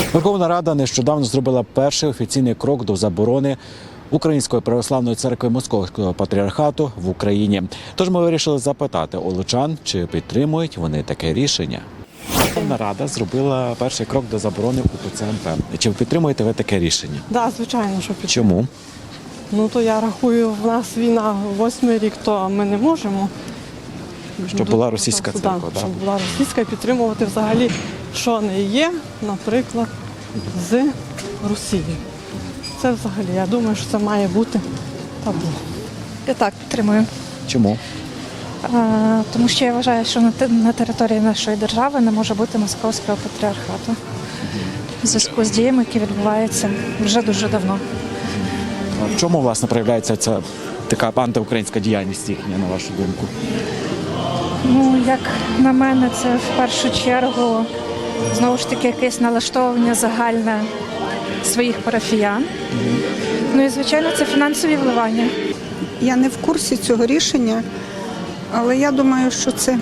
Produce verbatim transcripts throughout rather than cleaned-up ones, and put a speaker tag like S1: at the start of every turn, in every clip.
S1: Верховна Рада нещодавно зробила перший офіційний крок до заборони Української православної церкви Московського патріархату в Україні. Тож ми вирішили запитати у лучан, чи підтримують вони таке рішення. Верховна Рада зробила перший крок до заборони УПЦ МП. Чи підтримуєте ви таке рішення?
S2: Так, да, звичайно, що підтримую.
S1: Чому?
S2: Ну, то я рахую, в нас війна восьмий рік, то ми не можемо.
S1: Щоб була російська
S2: Да,
S1: церква, так?
S2: щоб була російська, і підтримувати взагалі, що не є, наприклад, з Росією. Це взагалі, я думаю, що це має бути табу.
S3: Я так підтримую.
S1: Чому?
S3: А, тому що я вважаю, що на, те- на території нашої держави не може бути московського патріархату. В зв'язку з діями, які відбуваються вже дуже давно.
S1: В чому, власне, проявляється ця така антиукраїнська діяльність їхня, на вашу думку?
S3: Ну, як на мене, це в першу чергу знову ж таки якесь налаштовування загальне своїх парафіян. Ну і, звичайно, це фінансові вливання.
S4: Я не в курсі цього рішення, але я думаю, що це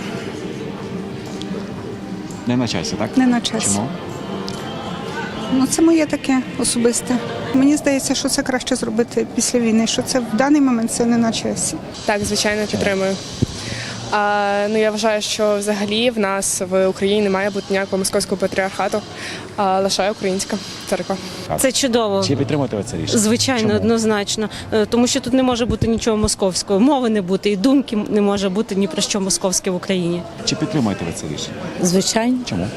S1: Не на часі, так?
S4: не на часі.
S1: Чому?
S4: Ну, це моє таке особисте. Мені здається, що це краще зробити після війни, що це в даний момент це не на часі.
S5: Так, звичайно, підтримую. А, ну, я вважаю, що взагалі в нас в Україні не має бути ніякого московського патріархату, а лише українська церква.
S6: Це чудово.
S1: Чи підтримуєте ви це рішення?
S6: Звичайно,
S1: Чому?
S6: однозначно. Е, Тому що тут не може бути нічого московського. Мови не бути і думки не може бути ні про що московське в Україні.
S1: Чи підтримуєте ви це рішення?
S7: Звичайно,
S1: Чому?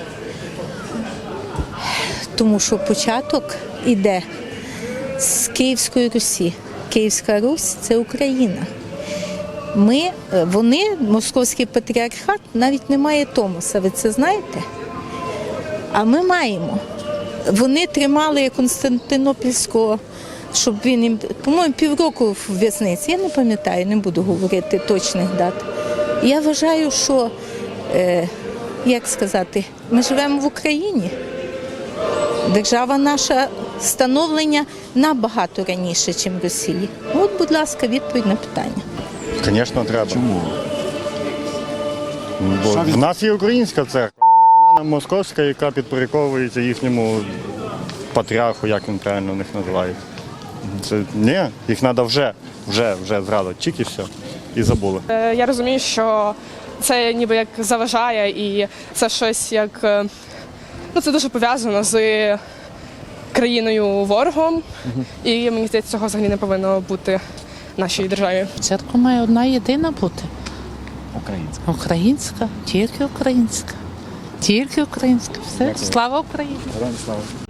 S7: тому що початок іде з Київської Русі. Київська Русь – це Україна. Ми, вони, московський патріархат, навіть не має Томоса, ви це знаєте? А ми маємо. Вони тримали Константинопільського, щоб він їм, по-моєму, півроку в в'язниці, я не пам'ятаю, не буду говорити точних дат. Я вважаю, що, е, як сказати, ми живемо в Україні. Держава наша становлення набагато раніше, ніж в Росії. От, будь ласка, відповідь на питання.
S8: Звісно, треба.
S1: Чому?
S8: Бо
S1: Що від-
S8: в нас є українська церква, нахрена нам московська, яка підпорядковується їхньому патріарху, як він правильно в них називає. Це ні, їх треба вже, вже, вже зразу, тільки все, і забули.
S5: Е, Я розумію, що це ніби як заважає і це щось як, е, ну це дуже пов'язано з країною ворогом, і мені здається, цього взагалі не повинно бути в нашій державі.
S9: Церква має одна єдина бути.
S1: Українська.
S9: Українська, тільки українська. Тільки українська. Все.
S1: Дякую.
S9: Слава Україні!
S1: Героям слава.